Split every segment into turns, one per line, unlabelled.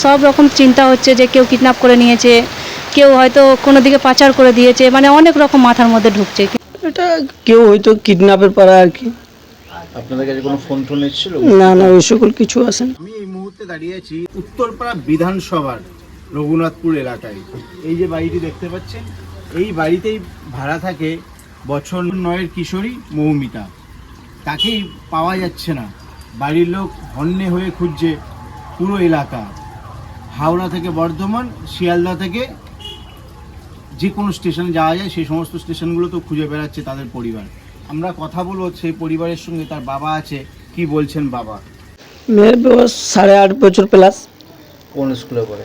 সব রকম চিন্তা হচ্ছে যে কেউ কিডন্যাপ করে নিয়েছে, কেউ হয়তো কোনো দিকে পাচার করে দিয়েছে, মানে অনেক রকম মাথার মধ্যে ঢুকছে।
এটা কেউ হয়তো কিডন্যাপের পারা আর কি।
আপনাদের কাছে কোনো ফোন টোন এসেছিল?
না না, ওই সকল কিছু আসেন।
আমি এই মুহূর্তে দাঁড়িয়ে আছি উত্তরপাড়া বিধানসভার রঘুনাথপুর এলাকায়। এই যে বাড়িটি দেখতে পাচ্ছেন, এই বাড়িতেই ভাড়া থাকে বছর 9-এর কিশোরী মৌমিতা। তাকেই পাওয়া যাচ্ছে না, বাড়ির লোক হন্যে হয়ে খুঁজছে পুরো এলাকা। হাওড়া থেকে বর্ধমান, শিয়ালদা থেকে যে কোনো স্টেশনে যাওয়া যায় সেই সমস্ত স্টেশনগুলো তো খুঁজে বেড়াচ্ছে তাদের পরিবার। আমরা কথা বলবো সেই পরিবারের সঙ্গে, তার বাবা আছে, কি বলছেন বাবা।
মেয়ের বয়স 8.5 বছর প্লাস।
কোন স্কুলে পড়ে?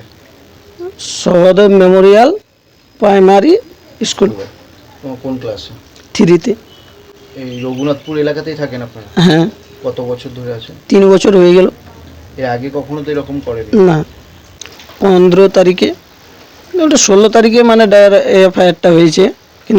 Sahadev memorial primary school.
তোমার কোন ক্লাসে?
3-তে।
এই রঘুনাথপুর এলাকাতেই থাকেন আপনারা?
হ্যাঁ।
কত বছর ধরে আছেন?
3 বছর হয়ে গেল।
এর আগে কখনো তো এরকম করেনি?
না, 15 তারিখে, ওটা 16 তারিখে মানে এফআইআরটা হয়েছে, কিন্তু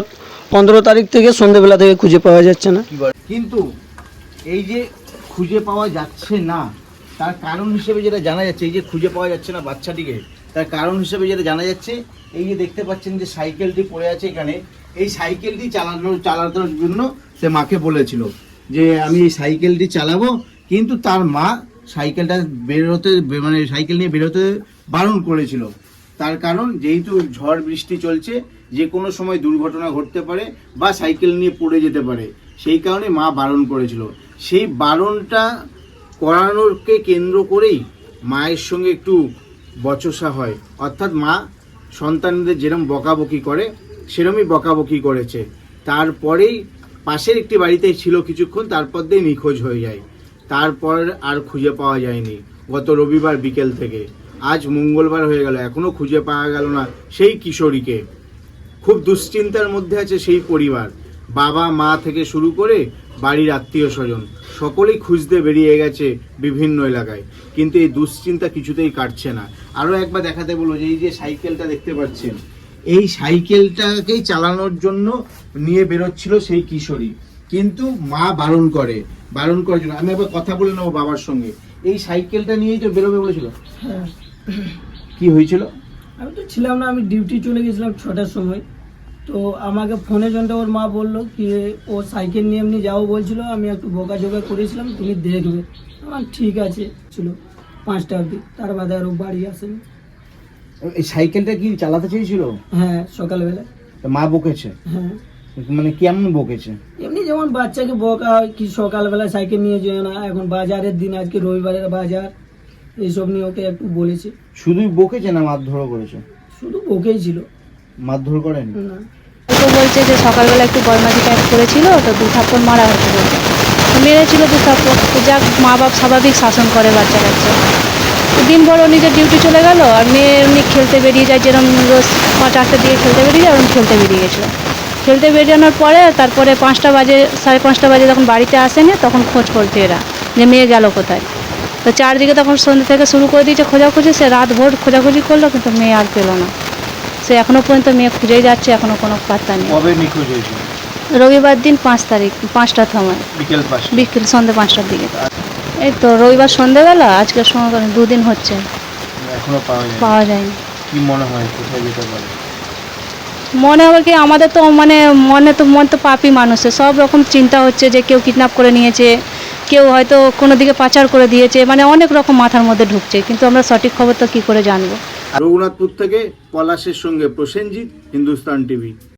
15 তারিখ থেকে সন্ধ্যেবেলা থেকে খুঁজে পাওয়া যাচ্ছে না।
কিন্তু এই যে খুঁজে পাওয়া যাচ্ছে না, তার কারণ হিসেবে যেটা জানা যাচ্ছে, এই যে খুঁজে পাওয়া যাচ্ছে না বাচ্চাটিকে, তার কারণ হিসেবে যেটা জানা যাচ্ছে, এই যে দেখতে পাচ্ছেন যে সাইকেলটি পড়ে আছে এখানে, এই সাইকেলটি চালানোর জন্য সে মাকে বলেছিল যে আমি এই সাইকেলটি চালাবো, কিন্তু তার মা সাইকেলটা মানে সাইকেল নিয়ে বেরোতে বারণ করেছিল। তার কারণ যেহেতু ঝড় বৃষ্টি চলছে, যে কোনো সময় দুর্ঘটনা ঘটতে পারে বা সাইকেল নিয়ে পড়ে যেতে পারে, সেই কারণে মা বারণ করেছিল। সেই বারণটা করানোরকে কেন্দ্র করেই মায়ের সঙ্গে একটু বচসা হয়, অর্থাৎ মা সন্তানদের যেরকম বকাবকি করে সেরকমই বকাবকি করেছে। তারপরেই পাশের একটি বাড়িতে ছিল কিছুক্ষণ, তারপর দিয়ে নিখোঁজ হয়ে যায়। তারপর আর খুঁজে পাওয়া যায়নি গত রবিবার বিকেল থেকে। আজ মঙ্গলবার হয়ে গেল, এখনও খুঁজে পাওয়া গেল না সেই কিশোরীকে। খুব দুশ্চিন্তার মধ্যে আছে সেই পরিবার, বাবা মা থেকে শুরু করে বাড়ির আত্মীয় স্বজন সকলেই খুঁজতে বেরিয়ে গেছে বিভিন্ন এলাকায়, কিন্তু এই দুশ্চিন্তা কিছুতেই কাটছে না। আরও একবার দেখাতে বলবো যে এই যে সাইকেলটা দেখতে পাচ্ছেন, এই সাইকেলটাকেই চালানোর জন্য নিয়ে বেরোচ্ছিল সেই কিশোরী, কিন্তু মা বারণ করার জন্য। আমি একবার কথা বলে নেবো বাবার সঙ্গে। এই সাইকেলটা নিয়েই তো বেরোবে বলেছিল?
হ্যাঁ।
কি হয়েছিল?
আমি তো ছিলাম না, আমি ডিউটি চলে গেছিলাম 6টার সময়। তো আমাকে ফোনে জন্য ওর মা বললো কি ও সাইকেল নিয়ে এমনি যাও বলছিল, আমি একটু বকাঝোকা করেছিলাম, তুমি দেখবে। আমার ঠিক আছে ছিল 5টা অবধি, তার বাদে আর ও বাড়ি আসেনি।
এই সাইকেলটা কি চালাতে চেয়েছিল?
হ্যাঁ, সকালবেলা।
মা বকেছে?
হ্যাঁ।
মানে কেমন বকেছে?
এমনি যেমন বাচ্চাকে বকা হয় কি সকালবেলা সাইকেল নিয়ে যেও না, এখন বাজারের দিন, আজকে রবিবারের বাজার, এইসব নিয়ে ওকে একটু বলেছে।
শুধুই বকেছে না মারধরও করেছে?
শুধু বকেই ছিল,
মারধর করেন
না।
তো বলছে যে সকালবেলা একটু বদমাঝি টাইপ করেছিল, তো 2 থাপ্পড় মারা হয়েছে বলছে। তো মেরেছিল 2 থাপ্পড়। তো যাক, মা বাপ স্বাভাবিক শাসন করে বাচ্চা কাচ্চা। তো দিনভর ও নিজের ডিউটি চলে গেল, আর মেয়ে এমনি খেলতে বেরিয়ে যায়, যেরকম রোজ 4টার দিকে খেলতে বেরিয়ে যায়, ওরকম খেলতে বেরিয়ে গেছিলো। খেলতে বেরিয়ে পরে তারপরে 5টা বাজে, 5:30 বাজে যখন বাড়িতে আসেনি, তখন খোঁজ করছে এরা যে মেয়ে গেল কোথায়। তো চারদিকে তখন সন্ধ্যে থেকে শুরু করে দিয়েছে খোঁজাখুঁজি, সে রাত ভোর খোঁজাখুঁজি করলো, কিন্তু মেয়ে আর পেলো না। সে এখনও পর্যন্ত মেয়ে খুঁজেই যাচ্ছে, এখনও কোনো পাত্তা নেই।
কবে নিখোঁজ হয়েছিল?
রবিবার দিন 5 তারিখ 5টার সময়, বিকেল সন্ধ্যে 5টার দিকে। এই তো রবিবার সন্ধ্যেবেলা, আজকের সময় 2 দিন হচ্ছে,
এখনো
পাওয়া যায়নি।
কি মনে হয় কোথায় যেতে পারে?
মনে হবে কি, আমাদের তো মানে মন তো পাপি মানুষের, সব রকম চিন্তা হচ্ছে যে কেউ কিডন্যাপ করে নিয়েছে, কেউ হয়তো কোনো দিকে পাচার করে দিয়েছে, মানে অনেক রকম মাথার মধ্যে ঢুকছে, কিন্তু আমরা সঠিক খবর তো কী করে জানবো।
রঘুনাথপুর থেকে পলাশের সঙ্গে প্রসেনজিৎ, হিন্দুস্তান টিভি।